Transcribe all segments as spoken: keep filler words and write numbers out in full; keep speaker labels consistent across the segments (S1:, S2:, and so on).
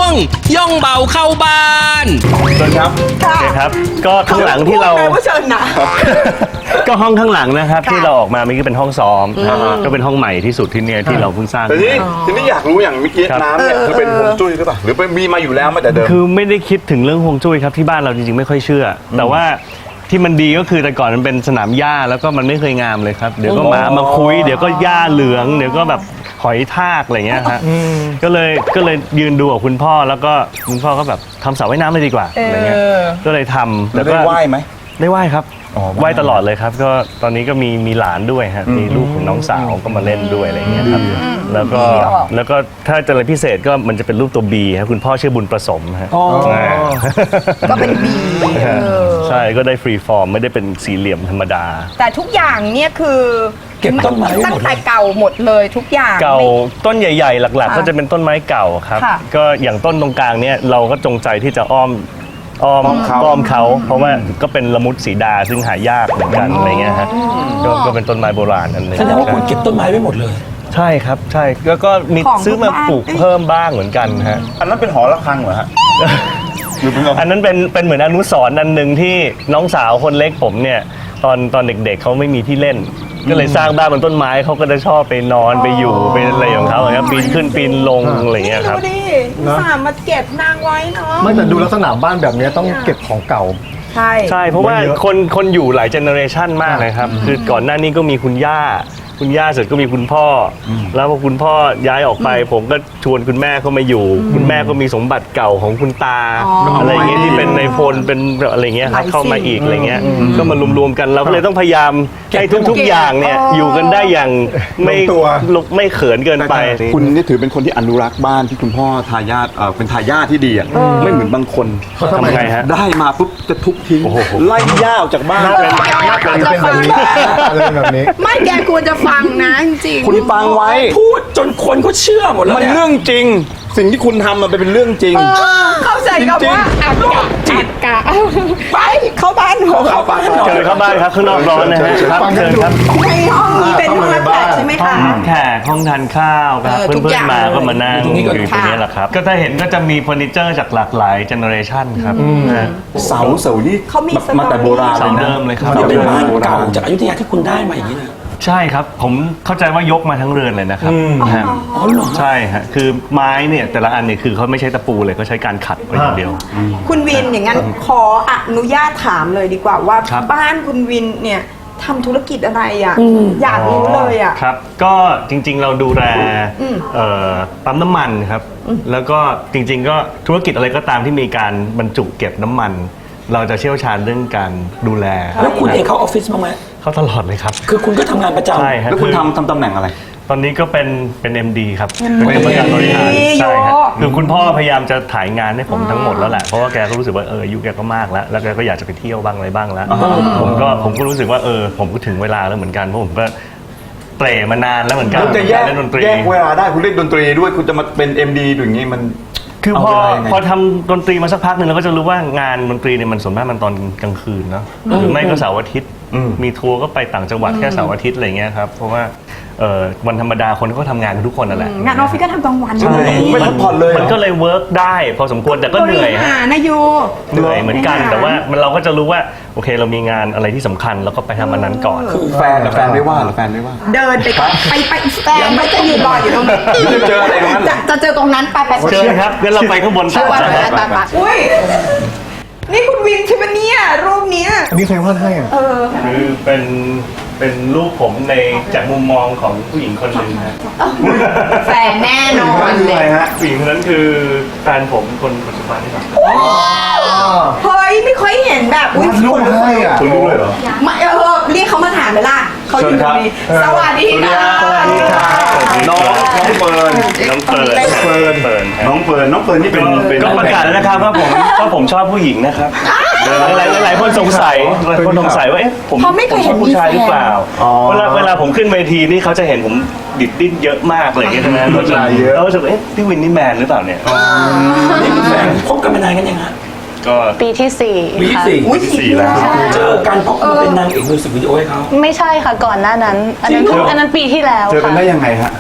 S1: องย่องเบาเข้าบ้าน
S2: เชิญครับโอเคครับก็ข้างหลังที่เรา
S3: เชิญนะ
S2: ก็ห้องข้างหลังนะครับที่เราออกมาเมื่อกี้เป็นห้องซ้อมก็เป็นห้องใหม่ที่สุดที่เนี่ยที่เราเพิ่งสร้าง
S4: แต่ทีนี้ทีนี้อยากรู้อย่างเมื่อกี้น้ำเนี่ยคือเป็นฮวงจุ้ยหรือเปล่าหรือเป็นมีมาอยู่แล้วมาแต่เดิม
S2: คือไม่ได้คิดถึงเรื่องฮวงจุ้ยครับที่บ้านเราจริงๆไม่ค่อยเชื่อ แต่ว่าที่มันดีก็คือแต่ก่อนมันเป็นสนามหญ้าแล้วก็มันไม่เคยงามเลยครับเดี๋ยวก็หมามาคุยเดี๋ยวก็หญ้าเหลืองเดี๋ยวก็แบบหอยทากอะไรเงี้ยฮะก็เลยก็เลยยืนดูกับคุณพ่อแล้วก็คุณพ่อก็แบบทำสระว่ายน้ำเลยดีกว่าอะไรเงี้ยก็เลยทำ
S4: แล้วได้ไหว้ไหม
S2: ได้ไหว้ครับ
S4: อ๋อ
S2: ไหว้ตลอดเลยครับก็ตอนนี้ก็มีมีหลานด้วยฮะมีลูกของน้องสาวก็มาเล่นด้วยอะไรเงี้ยครับแล้วก็แล้วก็ถ้าจะอะไรพิเศษก็มันจะเป็นรูปตัวบีครับคุณพ่อชื่อบุญประสมฮะ
S3: ก็เป็นบีเออ
S2: ใช่ก็ได้ฟรีฟอร์มไม่ได้เป็นสี่เหลี่ยมธรรมดา
S3: แต่ทุกอย่างเนี่ยคือ
S5: เก็บต้นไม้ไว้หมดเลย
S3: ตั้งแต่เก่าหมดเลยทุกอย่าง
S2: เก่า
S3: ไม่
S2: ต้นใหญ่ๆ หลักๆ ก็จะเป็นต้นไม้เก่าครับ
S3: ค่ะ
S2: ก็อย่างต้นตรงกลางเนี่ยเราก็จงใจที่จะอ้อมอ้อม
S4: อ้อมเขา
S2: อ้อมเขาเพราะว่าก็เป็นละมุดสีดาซึ่งหายากเหมือนกันอะไรเงี้ยฮะก็ก็เป็นต้นไม้โบราณอันหนึง
S5: แสดงว่าคุณเก็บต้นไม้ไว้หมดเลย
S2: ใช่ครับใช่แล้วก็มี
S3: ของ
S2: ซื้อมา
S3: ทุกบ้าน
S2: ปลูกเพิ่มบ้างเหมือนกันฮะ
S4: อันนั้นเป็นหอระฆังเหรอฮะหรือเป็น
S2: อันนั้นเป็นเป็นเหมือนอนุสรณ์อันหนึ่งที่น้องสาวคนเล็กผมเนี่ยตอนตอนเด็กๆเขาไม่มีที่เล่น ก็เลยสร้างบ้านบนต้นไม้เขาก็จะชอบไปนอนไปอยู่ไปอะไรของเขาอย่างเงี้ยปีนขึ้นปีนลงอะไรเงี้ยครับ
S3: ดูดิสามมาเก็บนางไว้เนาะ
S6: ไม่แต่ดูลักษณะบ้านแบบนี้ต้องเก็บของเก่า
S3: ใช่
S2: ใช่เพราะว่า
S6: เยอะ
S2: คนคนอยู่หลายเจเนอเรชันมากเลยครับ คือก่อนหน้านี้ก็มีคุณย่า คุณย่าเสร็จก็มีคุณพ่ออแล้วพอคุณพ่อย้ายออกไป ผมก็ชวนคุณแม่เข้ามาอยู่ คุณแม่ก็มีสมบัติเก่าของคุณตา อะไรอย่างเงี้ยที่เป็นในพลเป็นอะไรเงี้ยครับเข้ามาอีกอะไรเงี้ยก็มารวมๆกันเราก็เลยต้องพยายามให้ทุกๆอย่างเนี่ยอยู่กันได้อย่างไม่
S6: ลงตัว
S2: ลุกไม่เขินเกินไป
S4: คุณนี่ถือเป็นคนที่อนุรักษ์บ้านที่คุณพ่อทายาทเอ่อเป็นทายาทที่ดีอ่ะไม่เหมือนบางคน
S2: ทำไงฮะ
S4: ได้มาปุ๊บจะทุบทิ้งไล่ย่าออกจากบ้าน
S6: เป็นแบบนี้อะไรแบบนี้
S3: ไม่แกควรจะฟังนะจริงๆ
S4: คุณฟังไว้
S5: พูดจนคนเขาเชื่อหมดแล้ว
S4: มัน
S5: เนี่ย
S4: เรื่องจริง สิ่งที่คุณทำมันเป็นเรื่องจริง
S3: เออเข้าใจกับว่าอักกะจิตกะไปเข้าบ้านเถอะ
S4: เข้าบ้าน
S2: เชิญเข้าบ้านครับข้างนอกร้อนนะฮะครับเชิญครับ
S3: ในห้องนี้เป็นห้องรับแขกใช่ไหมคะ
S2: แขกห้องทานข้าวครับ
S3: เออ
S2: เพื่
S3: ทุก
S2: อน
S3: อย่าง
S2: ๆมาก็มานั่ง
S5: ตรงนี้
S2: อ
S5: ก็
S2: ยู่ตรงนี้แหละครับ ก็ถ้าเห็นก็จะมีเฟอร์นิเจอร์จากหลากหลายเจเนอเรชันครับนะ
S4: เสาเสานี่
S3: เขามี
S4: มาแต่โบราณ
S2: เสา
S4: เลยนะ
S2: เดิมเลยครับ
S5: มันเป็นบ้านเก่าจากอยุธยาที่คุณได้มาอย่างนี้เลย
S2: ใช่ครับ ผมเข้าใจว่ายกมาทั้งเรือนเลยนะครับฮะ
S5: อ๋อเหรอ
S2: ใช่ฮะคือไม้เนี่ยแต่ละอันเนี่ยคือเขาไม่ใช้ตะปูเลยเขาใช้การขัดไปอย่างเดียว
S3: คุณวินอย่างนั้นขออนุญาตถามเลยดีกว่าว่า
S2: ครับ
S3: บ้านคุณวินเนี่ยทำธุรกิจอะไรอ่ะอยากรู้เลยอ่ะ
S2: ครับ ก็จริงๆเราดูแล
S3: อืม
S2: เอ่อปั๊มน้ำมันครับ แล้วก็จริงๆก็ธุรกิจอะไรก็ตามที่มีการบรรจุเก็บน้ำมัน เราจะเชี่ยวชาญเรื่องการดูแล
S5: แล้วคุณเองเข้าออฟฟิศบ้างไหม
S2: เขาตลอดเลยครับ
S5: คือคุณก็ทำงานประจำ
S2: ใช่ฮะ
S4: แล้วคุณ
S2: อ
S4: ทำทำตำแหน่งอะไร
S2: ตอนนี้ก็เป็นเป็น เอ็ม ดี ครับเป็นกรรมการบริหาร
S3: โย
S2: ใช่ฮะคือคุณพ่อพยายามจะถ่ายงานให้ผมทั้งหมดแล้วแหละเพราะว่าแกก็รู้สึกว่าเอออายุแกก็มากแล้วแล้วแกก็อยากจะไปเที่ยวบ้างอะไรบ้างแล้วผมก็ผมก็รู้สึกว่าเออผมก็ถึงเวลาแล้วเหมือนกันเพราะผมก็เตร่มานานแล้วเหมือนกัน
S4: คุณจะแยก
S2: เล่นดนตรี
S4: แยกเวลาได้คุณเล่นดนตรีด้วยคุณจะมาเป็น เอ็ม ดี อย่างนี้มัน
S2: คือพอ
S4: เอาเวลายังไง
S2: พอทำดนตรีมาสักพักหนึ่งเราก็จะรู้ว่างานดนตรีเนี่ยมันส่วนมากมันตอนกลางคืนเนาะหรือไม่ก็เสาร์อาทิตย์มีทัวร์ก็ไปต่างจังหวัดแค่เสาร์อาทิตย์อะไรเงี้ยครับเพราะว่าเอ่อวันธรรมดาคนก็ทำงานกันทุกคนนั่นแหละ
S3: งานออฟฟิศก็ทำกลางวัน
S2: ใช่
S4: ไม่พักผ่อนเลยเหรอ
S2: มันก็เลยเวิร์กได้พอสมควรแต่ก็เหนื่อย
S3: บริ
S2: ฮะ
S3: หารนะยู
S2: เหนื่อยเหมือนกัน
S3: บริหาร
S2: แต่ว่ามันเราก็จะรู้ว่าโอเคเรามีงานอะไรที่สำคัญเราก็ไปทำอันนั้นก่อน
S4: แฟนแต่แฟนไม่ว่าเหรอแฟนไม่ว่า
S3: เดินไปก่อนไปไปแฟนไม่จะยืนรออยู่ตรงนั้น
S4: จะเจออะไรตรงนั้นเหรอ
S3: จะจะเจอตรงนั้นไปไป
S2: เชิญครับงั้นเราไปข้างบน
S3: ไป
S2: ต่อ
S3: ไป
S2: นะครับ
S3: ไปไปอุ้ยนี่คุณวินใช่ไหมเนี่ยรูปเนี้ย
S6: อันนี้ใครวาดให้อ่ะ
S3: เออ
S2: คือเป็นเป็นรูปผมในจากมุมมองของผู้หญิงคนหนึ่งฮะ
S3: แฟนแน่นอนเลย
S2: ผู้หญิงคนนั้นคือแฟนผมคนปัจจุบันนี่ครับ
S3: เฮ้ยไม่ค่อยเห็นแบบอุ้ยว
S6: าดรูปให้อ่ะ
S4: คุณรู้เลยเหรอ
S3: ไม่เออเรียกเขามาถามไปล่ะเขาอยู่ตรงนี้สวัสดีค่ะ
S2: สวัสดีครับ
S4: น้องน้องเฟิร์น
S2: น้องเฟิร์นเฟิร์นเฟิร์นครับ
S4: น้องเฟิร์นน้องเฟิร์นนี่เป็นเป็น
S2: ก็ประกาศแล้วนะครับว่าผมว่าผมชอบผู้หญิงนะครับหลายหลายหลายคนสงสัยหลายคนสงสัยว่าเอ๊ะผม
S3: เขาไม่เคย
S2: ผ
S3: เห็น
S2: ชอบผู้ชายหรือเปล่า
S4: อ๋อ
S2: เวลาเวลาผมขึ้นเวทีนี่เขาจะเห็นผมดิดดิ้นเยอะมากอะไรอย่างเงี้ยใช่ไหมเขาจะเขาจะเอ๊ะพี่วินนี่แมนหรือเปล่าเนี่ย
S5: นี่คือแฟนคบกันมานานกันยังฮะ
S2: ก็
S7: ปีที่สี่
S5: ปีที่
S7: ค่ะ
S5: สี่
S3: อุ้ย
S2: สี่แล้ว
S5: เจอกันเพราะคุณเป็นนางเอกมิวสิกวิดีโอให้เขา
S7: ไม่ใช่ค่ะก่อนหน้านั้น อันนั้น
S5: จริงเหรอ
S7: อันนั้นปีที่แล้ว
S4: เจอกัน
S7: ค่ะ
S4: ได้ยังไงฮะ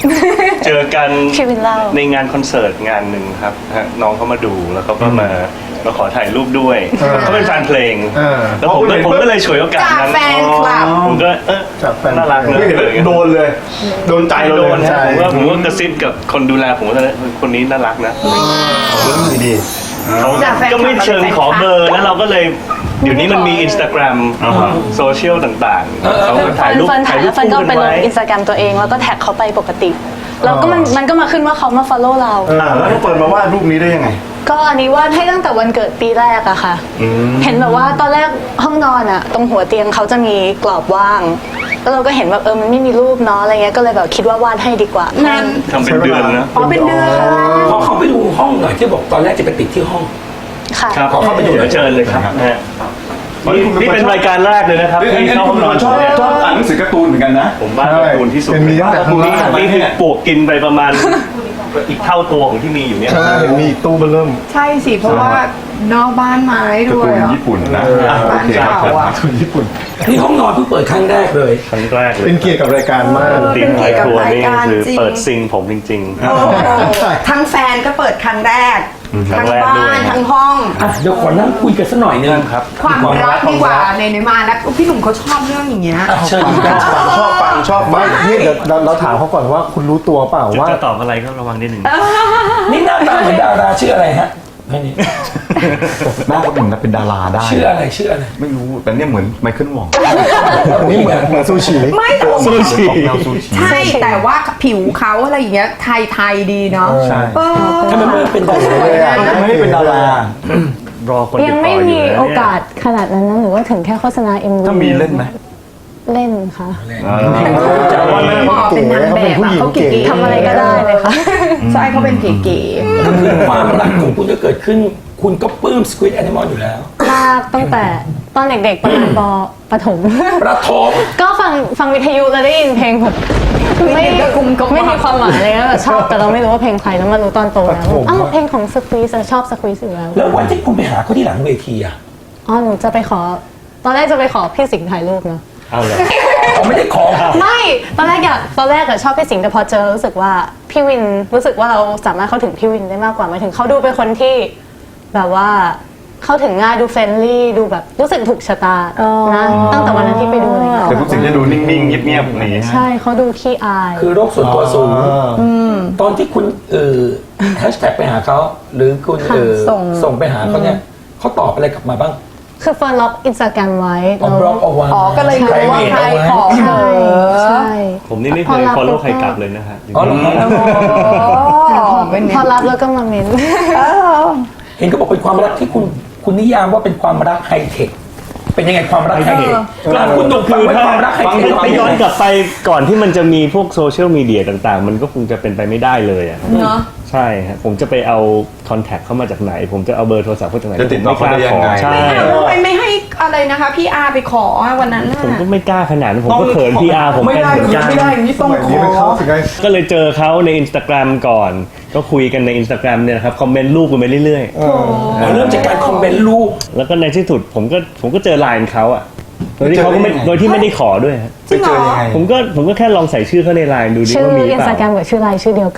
S2: เจอกัน
S7: พี่วินเล่า
S2: ในงานคอนเสิร์ตงานหนึ่งครับฮะน้องเขามาดูแล้วเขาก็มามาขอถ่ายรูปด้วยเขาเป็นแฟนเพลง
S6: เออ
S2: แล้วผมก็ผมก็เลยฉวยโอกาส
S3: จาก
S2: นั้น
S3: แฟนคลับ
S2: ผมก็เออ
S6: จากแฟน
S2: น่ารักเนอะ
S6: ไม่เห็นโดนเลย โดนใจ
S2: ใจ
S6: เรา
S2: โด
S6: เลย
S2: น
S6: ใช่
S2: ผมว่าผมก็กระซิบกับคนดูแลผมว่าคนนี้น่ารักนะ
S6: ดี
S2: เขาก็ไม่เชิงขอเบอร์แล้วเราก็เลยเดี๋ยวนี้มันมี Instagram โซเชียลต่างๆเขาก็ถ่ายรูป
S7: เฟิร์นถ่ายแล้วเฟิร์นก็ไปลง
S2: ไว้
S7: อินสตาแกรมตัวเองแล้วก็แท็กเขาไปปกติแล้วก็มันมันก็มาขึ้นว่าเขามา follow เรา
S4: อ่าแล้วน้องเฟิร์นมาวาดรูปนี้ได้ยังไง
S7: ก็อันนี้วาดให้ตั้งแต่วันเกิดปีแรกอะค่ะ เห็นแบบว่าตอนแรกห้องนอนอะตรงหัวเตียงเขาจะมีกรอบว่าง แล้วเราก็เห็นแบบเออมันไม่มีรูปเนาะอะไรเงี้ยก็เลยแบบคิดว่าวาดให้ดีกว่า
S3: นั่น
S2: ทำเป็นเดือนนะ
S3: อ๋อเป็นเดือน
S5: ขอเข้าไปดูห้องหน่อยที่บอกตอนแรกจะไปติดที่ห้อง
S7: ค่ะ
S2: ครับขอเข้าไปดูเดี๋ยวเชิญเลยครับนะฮะนี่นี่เป็นรายการแรกเลยนะครับที่เข้าห้องนอน
S4: ช
S2: ผ
S4: อบ
S2: มเนี่ย
S4: ชอบอ่านหนังสือการ์ตูนเหมือนกันนะ
S2: ผมบ้าการ์ตูนที่สุด
S6: เป็นมีตั้งแต่ข้างล่าง
S2: นี่คือปลวกกินไปประมาณอีกเท่าตัวของที่มีอยู่เนี่ย
S6: ใช่เห็นมีอีกตู้เบอร์เริ่ม
S3: ใช่สิ เพราะว่านอกบ้านไม้
S4: การ์
S3: ด้ว
S4: ตู
S3: ย
S4: น
S3: อ่ะ
S4: ญี่ปุ่นนะ
S6: เออ
S4: อ่ะโอเคครับ
S3: บ้านเก่าอะ
S6: ทุนญี่ปุ่น
S5: นี่ห้องนอนเพิ่งเปิดครั้งแรกเลย
S2: ครั้งแรกเลย
S6: เป็นเกียรติกับรายการมาก
S2: ตีมไทยครัวนี่คือเปิดซิงผมจริง
S3: โอ้โหทั้งแฟนก็เปิดครั้งแรก
S2: ครั้
S3: ทั้
S2: ง
S3: ง
S2: แรก
S3: บ้า
S2: ด้วย
S3: นทั้งห้อง
S5: อ่ะเดี๋ยวขอนั่งคุยกันสักหน่อยนึง
S2: ๆครับ
S3: ความรักดีกว่าในในมาแล้วพี่หนุ่มเขาชอบเรื่องอย่างเงี้ย
S5: อ่ะเชิญครับ
S4: ชอบฟังชอบ
S6: ไม่นี่เดี๋ยวเราเราถามเขาก่อนว่าคุณรู้ตัวเปล่าว่า
S2: จะตอบอะไรก็ระวังนิดหนึ่ง
S5: นี่หน้าตาเหมือนดาราชื่ออะไรฮะไม่นี่
S4: หน้าก็เหมือนเป็นดาราได้
S5: ชื่ออะไรชื่ออะไร
S4: ไม่รู้แต่เนี่ยเหมือนไมเคิลหว่อง
S6: นี่เหมือนเหมือนซูชิ
S3: ไม่แต่ว่า
S2: ซูชิ
S4: ออกแนวซูชิ
S3: ใช่แต่ว่าผิวเขาอะไรอย่างเงี้ยไทยไทยๆดีเนาะ
S4: ใช่
S3: เออ
S5: ทำไมไม่เป็นดารา
S6: เลยอ่ะ
S4: ทำไมไม่เป็นดารา
S2: รอคนติด
S7: ยัง
S2: ต่
S7: ไม่
S2: ออยู่
S7: มี
S2: นะ
S7: โอ
S2: เนี่ย
S7: กาสขนาดนั้นนะหรือว่าถึงแค่โฆษณา เอ็ม วี
S4: ถ้ามีเล่นไหม
S7: เล่นค่ะ
S3: พอเป็นนางแบบอะเขาเก๋ๆ
S7: ทำอะไรก็ได้เลยค่ะ
S3: ใช่เขาเป็นเก๋
S5: ความรักของคุณจะเกิดขึ้น คุณก็ปลื้ม Squid Animal อยู่แล้ว
S7: มากตั้งแต่ตอนเด็กๆประมาณปประถม
S5: ประทม
S7: ก็ฟังฟังวิทยุแล้วได้ยินเพลงแบบไม่ไม่มีความหมายเลยนะแบบชอบแต่เราไม่รู้ว่าเพลงใครแล้วมารู้ตอนโตแล้วอ้าวเพลงของสควีซชอบสควีซอยู่แล้ว
S5: แล้ววันที่คุณไปหาเขาที่หลังเวทีอ่ะ
S7: อ๋อหนูจะไปขอ ตอนแรกจะไปขอพี่สิงห์ถ่ายรูปเนาะ
S2: เอาเลย
S5: เขาไม่ได้ขอ
S7: ไม่ตอนแรกอยากตอนแรกอะชอบพี่สิงห์แต่พอเจอรู้สึกว่าพี่วินรู้สึกว่าเราสามารถเข้าถึงพี่วินได้มากกว่าหมายถึงเขาดูเป็นคนที่แบบว่าเข้าถึงง่ายดูเฟรนลี่ดูแบบรู้สึกถูกชะตานะตั้งแต่วันนั้นที่ไปดูเลย
S4: แต่ทุกสิ่งจะดูนิ่งๆเงียบๆอย่างนี้
S7: ใช่เขาดูขี้อาย
S5: คือโรคส่วนตัวสูง ตอนที่คุณเออแฮชแท็กไปหาเขา หรือคุณเออส่งไปหาเขาเนี่ยเขาตอบอะไรกลับมาบ้าง
S7: คือเฟิร์นล็อกอินสตาแกรมไว้
S5: อ๋อบล็อกเอาไว้
S3: ๆอ๋อก็เลยรู้ว่าใครขอ
S7: ใช่ใช่
S2: ผมนี่ไม่เคย follow ใครกลับเลยนะฮะ
S5: อ๋อเหรอครับ
S3: อ๋อเป็น
S7: พอรับแล้วก็มาเมน
S5: เห็นเขาบอกเป็นความรักที่คุณคุณนิยามว่าเป็นความรักไฮเทค เป็นยังไงความรักไฮเทคกลางคุณหนุ่มฟังไว้ความรักไฮเทค
S2: ถ้าย้อนกลับไปก่อนที่มันจะมีพวกโซเชียลมีเดียต่างๆ มันก็คงจะเป็นไปไม่ได้เลยอะ
S3: เนาะ
S2: ใช่ฮะผมจะไปเอาคอนแทคเข้ามาจากไหน ผมจะเอาเบอร์โทรศัพท์เขาจากไหน
S4: จะติดต่อเขาได้ยังไง
S2: ใช่
S3: ทำไมไม่ให้อะไรนะคะ พี่อาไปขอวันนั้นน่ะ
S2: ผมก็ไม่กล้าขนาดนั้นผมก็เขินพีอาร์ผม
S3: ไม่
S2: เป็น
S3: ได้
S2: เหมือนกัน
S3: ไม่ได้อย่างนี้ต้อง
S6: แบบ
S3: ข
S6: นี้
S3: อ
S6: มันเข้าถึงไง
S2: ก็เลยเจอเขาใน Instagram ก่อน ก็คุยกันใน Instagram เนี่ยนะครับคอมเมนต์รูปกันไปเรื่อย
S5: เริ่มจากการคอมเมนต์รูป
S2: ๆ แล้วก็ในที่สุดผมก็ผมก็เจอไลน์เขาอะโดยที่เขาก็ไม่
S4: เจอได้ยังไง
S2: โดยที่ไม่ได้ขอด้วยฮะ
S4: ไปเจอยังไง
S2: ผมก็ผมก็แค่ลองใส่ชื่อเขาในไลน์ดูดิ
S7: ชื่อ
S2: ว่ามีหรือ
S7: อิน
S2: เป
S7: สตาแกร
S2: ล่า
S7: มกับชื่อไลน์ชื่อเดียวกัน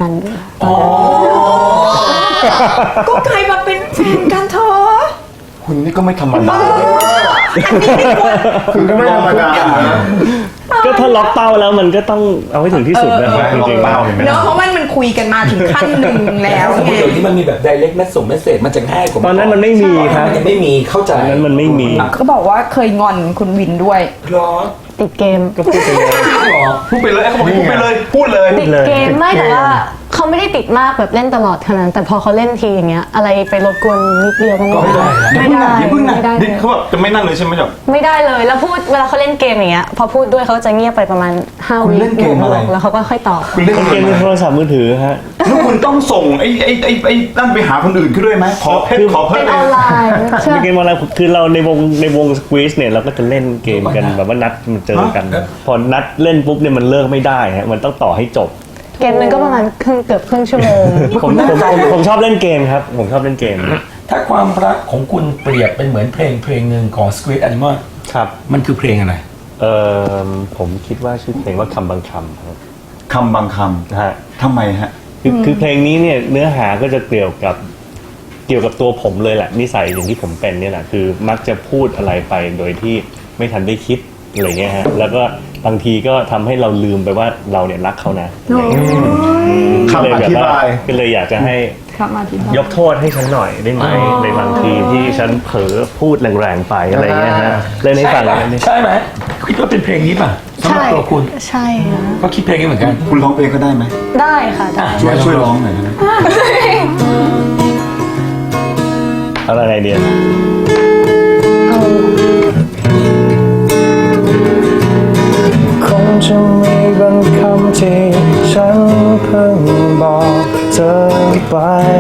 S3: ก็กลายมาเป็นแฟนกันเถอะ
S4: คุณนี่ก็ไม่ธรรมดา
S6: คุณก็ไม่ธรรมดา
S2: ก็ถ้าล็อกเป้าแล้วมันก็ต้องเอาให้ถึงที่สุดนะครับจริง
S4: เป้าเห็นไหม
S3: เนาะเพราะมันมันคุยกันมาถึงขั้นหนึ่งแล้ว
S5: สมม
S3: ไง
S5: ติเดี๋ยวนี้มันมีแบบ direct message message มันจะง่ายกว่า
S2: ๆตอนนั้นมันไม่มีครับ
S5: มันยังไม่มีเข้าใจ
S2: ตอนนั้นมันไม่มี
S3: ก็บอกว่าเคยงอนคุณวินด้วย
S5: ร้อน
S7: ติดเกม
S2: ก็พูดไปเลย
S5: หรอ
S4: พูดไปเลยเขาบอกให้พูดไปเลย พูดเลย
S7: ติดเกมไม่แต่ว่าเขาไม่ได้ติดมากแบบเล่นตลอดขนาดนั้นแต่พอเขาเล่นทีอย่างเงี้ยอะไรไปรบกวนนิดเดียวก็ไม่ได้ไม่ได้
S4: อย่าเพิ่งนะ
S7: ไม่ได้
S4: ดิเขาแบบจะไม่นั่นเลยใช่ไหมแบบ
S7: ไม่ได้เลยแล้วพูดเวลาเขาเล่นเกมอย่างเงี้ยพอพูดด้วยเขาจะเงียบไปประมาณห้า
S4: คุณ
S7: วิ
S4: เล่นเกมอะไร
S7: แล้วเขาก็ค่อยตอบ
S4: คุณเล่น
S2: เก
S4: เก
S2: ม
S4: ม
S2: ในโทรศัพท์มือถือฮะ
S4: แล้วคุณต้องส่งไอ้ไอ้ไอ้ไอ้นั่นไปหาคนอื่นขึ้นด้วยไหมขอเพชรขอเพ
S7: เป็
S4: ช
S7: น
S4: ร
S7: ออนไลน์ใช่
S2: เป็นเกมออนไลน์คือเราในวงในวงสควีซเนี่ยเราก็จะเล่นเกมกันแบบว่านัดมันเจอกัน พอนัดเล่นปุ๊บเนี่ยมันเลิกไม่ได้ฮะมันต้องต่อให้จบ
S7: เกมนึงก็ประมาณครึ่งเกือบครึ่งชั่วโมง
S2: ผมผมผมผมชอบเล่นเกมครับ ผมชอบเล่นเกม
S5: ถ้าความรักของคุณเปรียบเป็นเหมือนเพลงเพลงหนึ่งของ Squid Animal
S2: ครับ
S5: มันคือเพลงอะไร
S2: เออผมคิดว่าชื่อเพลงว่าคำบางคำครับ
S4: คำบางค
S2: ฮะ
S4: ำทำไมฮะ
S2: คือคือเพลงนี้เนี่ยเนื้อหาก็จะเกี่ยวกับเกี่ยวกับตัวผมเลยแหละนิสัยอย่างที่ผมเป็นเนี่ยแหละคือมักจะพูดอะไรไปโดยที่ไม่ทันได้คิดอะไรเงี้ยฮะแล้วก็บางทีก็ทำให้เราลืมไปว่าเราเนี่ยรักเขานะอะไรเงี้ย
S6: คำอธิบาย
S2: ก็เลยอยากจะให้ยกโทษให้ฉันหน่อยได้ไหมในบางทีที่ฉันเผลอพูดแรงๆไปอะไรเงี้ยฮะเลยในฝั่งนั้นนี่
S5: ใช่ไหมคิดว่าเป็นเพลงนี้ป่ะสำหรับ
S7: ใช่
S5: ตัวคุณ
S7: ใช่ค่ะ
S5: ก็คิดเพลงนี้เหมือนกัน
S4: คุณร้องเพลงก็ได้ไหม
S7: ได้ค่ะได้
S4: ช่วยช่วยร้องหน่อยได้ไหม
S2: อะไรไงเดีย
S6: คงจะมีบางคำที่ฉันเพิ่งบอกเธอไป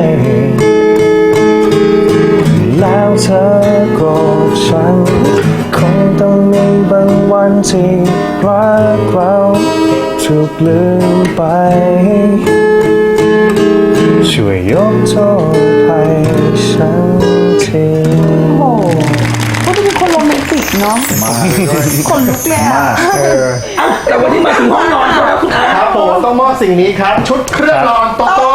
S6: แล้วเธอโกรธฉันคงต้องมีบางวันที่รักเราถูกลืมไป ช่วยยกโทษให้ฉันที
S3: โอ้โหเขาจะเป็นคนโรแมนติกเนาะคนลุกเลยอ่ะ
S5: อ่ะแต่วันนี้มาถึงห้องนอนเขาแล้วคุณอา
S6: ครับผมต้องมอบสิ่งนี้ครับ ชุดเครื่องนอนโตโต้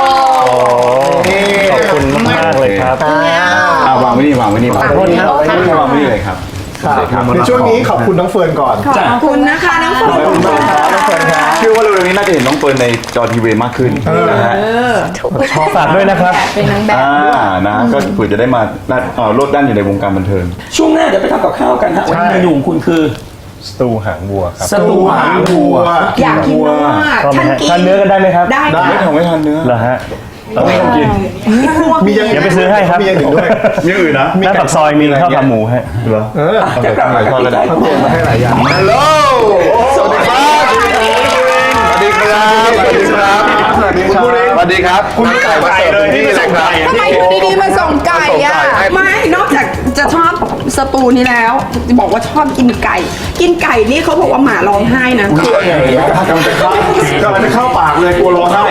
S2: ขอบคุณมากๆเลยครับ
S4: อ่าวางไว้นี่วางไว้นี่วางไว้นี่วางไว้นี่วางไว้นี่เลยครับ
S6: ครับในช่วงนี้ขอบคุณน้องเฟิร์นก่อน
S3: ขอบคุณนะคะน้องเฟิร์น
S6: ขอบคุณมากครับน้องเฟิร์นครับ
S4: เชื่อว่าเร็วๆนี้น่าจะเห็นน้องเฟิร์นในจอทีวีมากขึ้นนะฮะ
S2: ขอฝากด้วยนะครับ
S3: เป็นนางแบบ
S4: อ่านะก็เผื่อจะได้มาด้านเอ่อโลดด้านอยู่ในวงการบันเทิง
S5: ช่วงหน้าเดี๋ยวไปทำกับข้าวกันฮะวันนี้เมนูของคุณคือ
S6: สตูหางวัวครับ
S5: สตูหางวัว
S3: อยากกินมาก
S2: ชอบไหม
S3: ท่าน
S2: ฮะ
S3: กิน
S2: ทานเนื้อกันได้ไหมครับ
S3: ได้
S4: ไม่ทำไม่ทันเนื้อ
S2: เหรอฮะ
S4: ไม่ต้องกิน
S6: มีอย่าง
S2: เดี๋ยวไปซื้อให้ครับ
S6: มีอย่างอื่นด้วย
S4: มีอื่นนะ
S2: หน้าปากซอยมีข้าวขาหมูฮะ
S4: เหรอ
S6: เออ
S5: จะกลับมากับพี่ได้
S6: เขาเตรียมมาให้หลายอย่าง
S4: ฮัลโหลสวัสดีครับสวัสดีครับสวัสดีครับ
S6: สวัสดีครับ
S4: สวัสดีครับคุณไก่มาเสิร์ฟที่นี่เลยครับ
S3: ทำไมอยู่ดีๆมาส่งไก่อ่ะ ไม่ นอกจากจะชอบสตูนี้แล้วจะบอกว่าชอบกินไก่ กินไก่นี่เขาบอกว่าหมาร้องไห้นะ
S6: กำลังจะเข้ากำลังจะเข้าปากเลยกลัวร้องไห้